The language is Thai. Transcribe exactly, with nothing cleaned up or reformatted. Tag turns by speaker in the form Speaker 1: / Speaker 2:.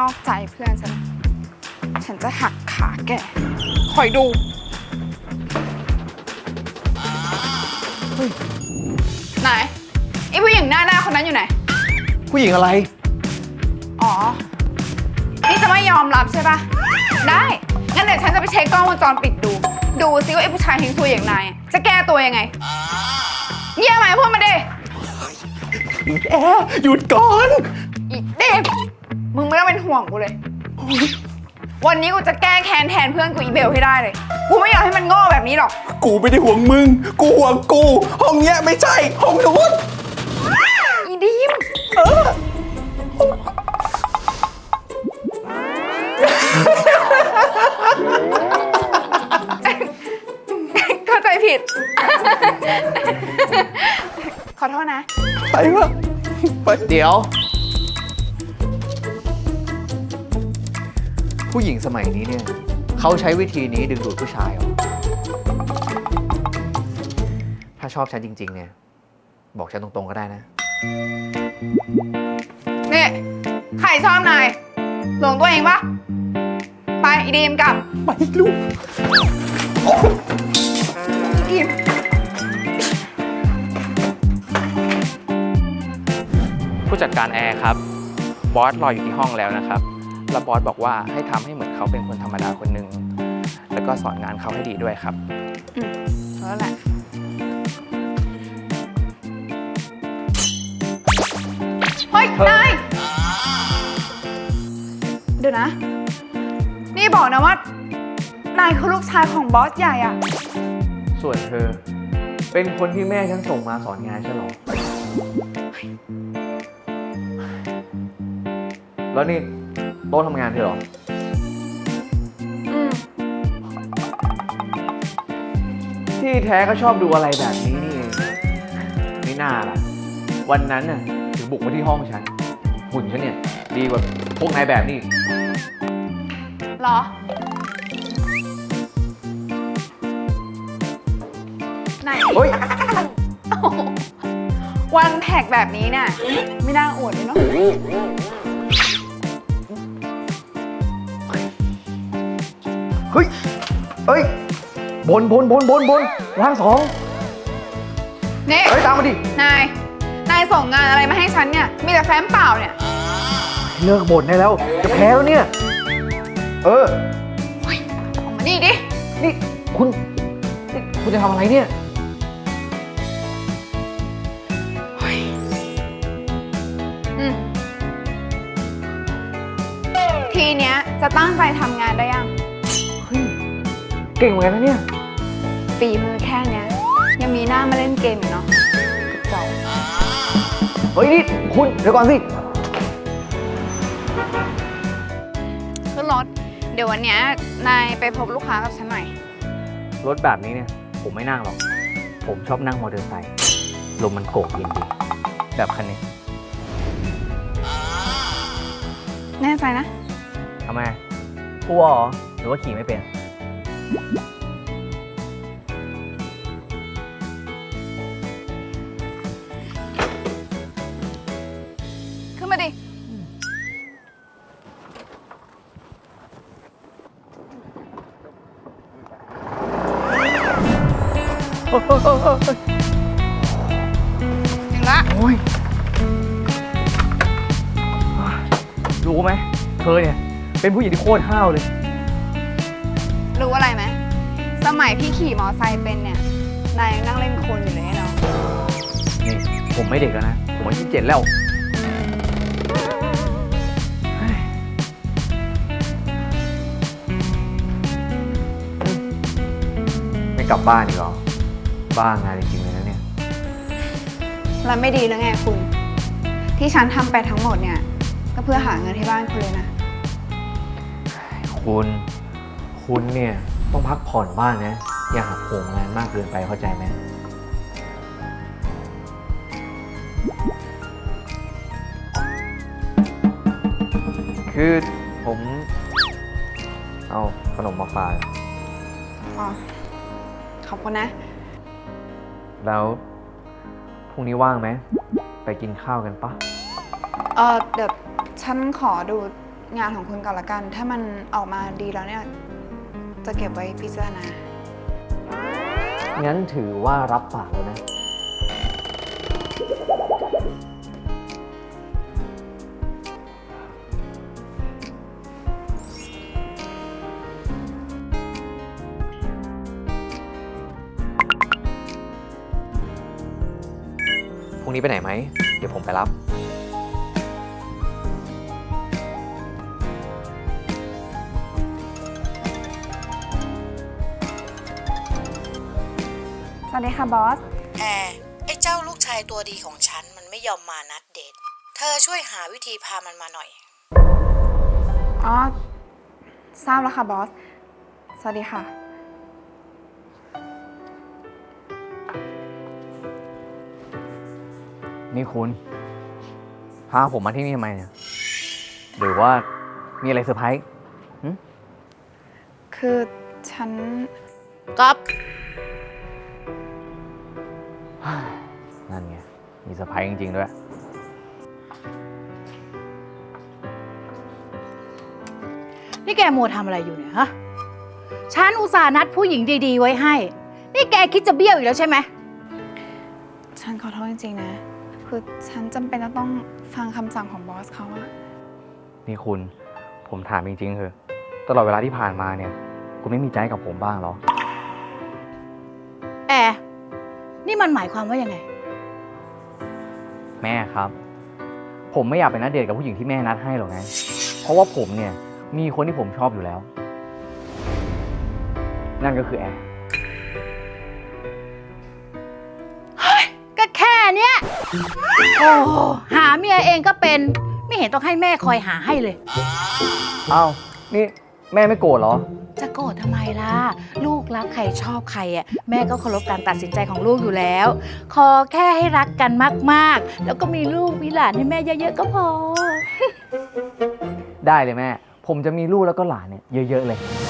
Speaker 1: อกใจเพื่อนฉันฉันจะหักขาแกคอยดูไหนไอ้ผู้หญิงหน้าหน้าคนนั้นอยู่ไหน
Speaker 2: ผู้หญิงอะไร
Speaker 1: อ๋อนี่จะไม่ยอมรับใช่ปะได้งั้นเดี๋ยวฉันจะไปเช็คกล้องวงจรปิดดูดูซิว่าไอ้ผู้ชายทิ้งตัวอย่างนายจะแก้ตัวยังไงเยี่ยมไหมพูดมาดิ
Speaker 2: แอร์หยุดก่อน
Speaker 1: อีเด็กมึงไม่ต้องเป็นห่วงกูเลยวันนี้กูจะแก้แค้นแทนเพื่อนกูอีเบลให้ได้เลยกูไม่อยากให้มันโง่แบบนี้หรอก
Speaker 2: กูไม่ได้ห่วงมึงกูห่วงกูห้องเนี้ยไม่ใช่ห้องนู้น
Speaker 1: อีดิมเออเข้าใจผิดขอโทษนะ
Speaker 2: ไปวะไปเดี๋ยวผู้หญิงสมัยนี้เนี่ยเขาใช้วิธีนี้ดึงดูดผู้ชายเหรอถ้าชอบฉันจริงๆเนี่ยบอกฉันตรงๆก็ได้นะ
Speaker 1: นี่ใครชอบนายหลงตัวเองปะไปอีดีมกลับ
Speaker 2: ไปลูก
Speaker 1: อีดีม
Speaker 3: ผู้จัดการแอร์ครับบอสรออยู่ที่ห้องแล้วนะครับแล้วบอสบอกว่าให้ทำให้เหมือนเขาเป็นคนธรรมดาคนหนึ่งแล้วก็สอนงานเขาให้ดีด้วยครับ
Speaker 1: อืมแล้วแหละเฮ้ยนายเดี๋ยวนะนี่บอกนะว่านายคือลูกชายของบอสใหญ่อะ
Speaker 2: ส่วนเธอเป็นคนที่แม่ฉันส่งมาสอนงานฉันหรอแล้วนี่โต๊ะทำงานเธอหรอ
Speaker 1: อืม
Speaker 2: ที่แท้ก็ชอบดูอะไรแบบนี้นี่เองไม่น่าล่ะวันนั้นน่ะถึงบุกมาที่ห้องฉันหุ่นฉันเนี่ยดีกว่าพวกนายแบบนี้
Speaker 1: หรอไหน
Speaker 2: เฮ้ย
Speaker 1: วันแท็กแบบนี้เนี่ยไม่น่าอวดเลยเนาะ
Speaker 2: เฮ้ยเฮ้ยบนบนบนบนบนร่างสอง
Speaker 1: นี่
Speaker 2: เฮ้ยตามมาดิ
Speaker 1: นายนายส่งงานอะไรมาให้ฉันเนี่ยมีแต่แฟ้มเปล่าเนี่ย
Speaker 2: เลิกบ่นได้แล้วจะแพ้แล้วเนี่ยเออ
Speaker 1: เฮ้ยออกมานี่ดิ
Speaker 2: นี่คุณนี่คุณจะทำอะไรเนี่ย
Speaker 1: อืมทีเนี้ยจะตั้งใจทำงานได้ยัง
Speaker 2: เฮ้ยเก่งเหมือนกันนะเนี่ย
Speaker 1: ฝีมือแค่เนี้ยยังมีหน้ามาเล่นเกมอยู่เนาะกระจอก
Speaker 2: เฮ้ยนี่คุณเดี๋ยวก่อนสิ
Speaker 1: ขึ้นรถเดี๋ยววันเนี้ยนายไปพบลูกค้ากับฉันหน่อย
Speaker 2: รถแบบนี้เนี่ยผมไม่นั่งหรอกผมชอบนั่งมอเตอร์ไซค์ลมมันโกกเย็นดีแบบคันนี้
Speaker 1: แน่ใจนะ
Speaker 2: ทำไมกลัวเหรอหรือว่าขี่ไม่เป็น
Speaker 1: ขึ้นมาดิถึงละ
Speaker 2: โอ้ยรู้ไหมเธอเนี่ยเป็นผู้หญิงที่โคตรห้าวเลย
Speaker 1: รู้อะไรไหมสมัยพี่ขี่มอไซค์เป็นเนี่ยนายยังนั่งเล่นโคลนอยู่เลยเนาะ
Speaker 2: นี่ผมไม่เด็กแล้วนะผมอายุเจ็ดแล้วไม่กลับบ้านอีกเหรอบ้างานจริงๆเลยนะเนี่ย
Speaker 1: แล้วไม่ดีแล้วไงคุณที่ฉันทำไปทั้งหมดเนี่ยก็เพื่อหาเงินให้บ้านคุณเลยนะ
Speaker 2: คุณคุณเนี่ยต้องพักผ่อนบ้างนะอย่าหักโหมงานมากเกินไปเข้าใจไหมคือผมเอาขนมมาฝาก
Speaker 1: อ๋อขอบคุณนะ
Speaker 2: แล้วพรุ่งนี้ว่างไหมไปกินข้าวกันปะ
Speaker 1: เออเดี๋ยวฉันขอดูงานของคุณก่อนละกัน ถ้ามันออกมาดีแล้วเนี่ย จะเก็บไว้พิจารณา
Speaker 2: งั้นถือว่ารับปากแล้วนะ พรุ่งนี้ไปไหนไหม เดี๋ยวผมไปรับ
Speaker 1: สวัสดีค่ะบอส
Speaker 4: แอร์ไอ้เจ้าลูกชายตัวดีของฉันมันไม่ยอมมานัดเดท เธอช่วยหาวิธีพามันมาหน่อย
Speaker 1: อ๋อ ทราบแล้วค่ะบอส สวัสดีค่ะ
Speaker 2: นี่คุณ พาผมมาที่นี่ทำไมเนี่ย หรือว่ามีอะไรเซอร์ไพรส์หึ
Speaker 1: คือฉัน
Speaker 4: ก๊อฟ
Speaker 2: นั่นไง มีเซอร์ไพรส์จริงๆด้วย
Speaker 4: นี่แกมัวทำอะไรอยู่เนี่ยฮะ ฉันอุตส่าห์นัดผู้หญิงดีๆไว้ให้ นี่แกคิดจะเบี้ยวอีกแล้วใช่ไหม
Speaker 1: ฉันขอโทษจริงๆนะ คือฉันจำเป็นจะต้องฟังคำสั่งของบอสเขาอะ
Speaker 2: นี่คุณ ผมถามจริงๆเถอะตลอดเวลาที่ผ่านมาเนี่ย คุณไม่มีใจกับผมบ้างเหรอ
Speaker 4: แอร์นี่มันหมายความว่ายังไง
Speaker 2: แม่ครับ ผมไม่อยากไปนัดเดทกับผู้หญิงที่แม่นัดให้หรอกไง เพราะว่าผมเนี่ย มีคนที่ผมชอบอยู่แล้ว นั่นก็คือแอร์
Speaker 4: ก็แค่เนี้ย โอ้หาเมียเองก็เป็น ไม่เห็นต้องให้แม่คอยหาให้เลย
Speaker 2: อ้าว นี่แม่ไม่โกรธเหรอ
Speaker 4: จะโกรธทำไมล่ะ ลูกรักใครชอบใครอ่ะแม่ก็เคารพการตัดสินใจของลูกอยู่แล้ว ขอแค่ให้รักกันมากๆ แล้วก็มีลูกมีหลานให้แม่เยอะๆก็พอ
Speaker 2: ได้เลยแม่ ผมจะมีลูกแล้วก็หลานเนี่ยเยอะๆเลย